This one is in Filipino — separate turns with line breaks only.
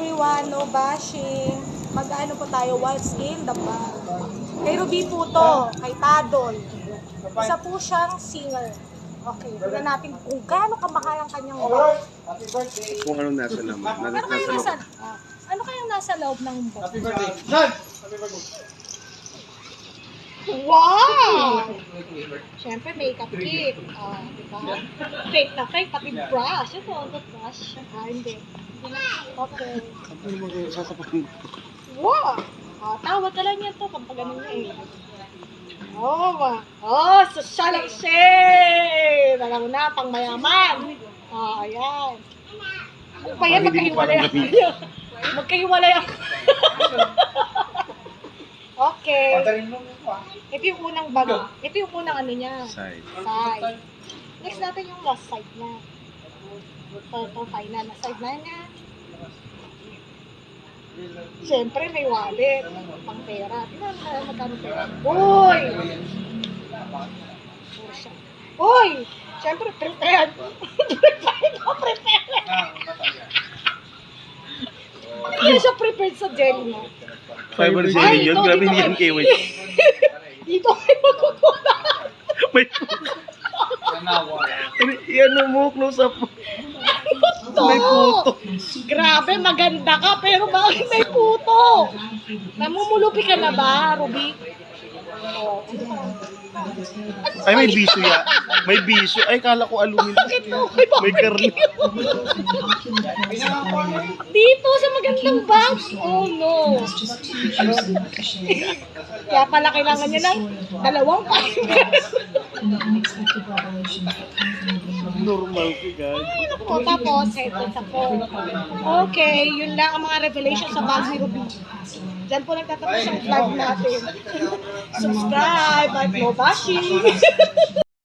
everyone, no bashing. Mag-ano po tayo, what's in the bag. Kay Ruby po to, kay Tadol. Isa po siyang singer. Okay, tignan natin kung gaano kamahal ang kanyang bag.
Kung anong nasa laman.
Ano kayang nasa loob ng bag?
Happy birthday. Son! Happy birthday.
Wow! Siyempre, makeup kit. Diba? Fake na fake, pati brush. Ito, ang brush. Hindi. Okay.
Ano mo kayo sasapakin?
Wow! Tawad ka lang yan to, kapag ganun niya eh. Social exchange! Alam mo na, pang mayaman. Ayan. Ano pa yan, magkahiwalay ako. Magkahiwalay ako. Okay. Ito yung unang bag. Ito yung unang ano niya.
Side.
Side. Next natin yung last side niya. Ito, final na side na niya. Siyempre, may wallet. Pang pera. Tingnan mo na magkano pera. Uy! Uy! Siyempre, prepared. Prepared ako, prepared. Hindi siya prepared sa jelly mo.
Fiber jelly yun. Grabe hindi yan kiwi.
Dito kayo magkukuha.
May yan mo, close up. May puto.
Grabe, maganda ka, pero bakit may puto? Namumulupi ka na ba, Ruby?
Ay, may biso ya. May biso. Ay, kala ko aluminum.
Bakit to?
May karne.
Dito sa magandang bag? Oh no. Kaya pala kailangan niya ng dalawang packets.
Normal ko, guys.
O, tapos, ito sa phone. Okay, yun lang ang mga revelation sa bag ni Ruby. Diyan po nagtatapos ang vlog natin. Subscribe at no bashing.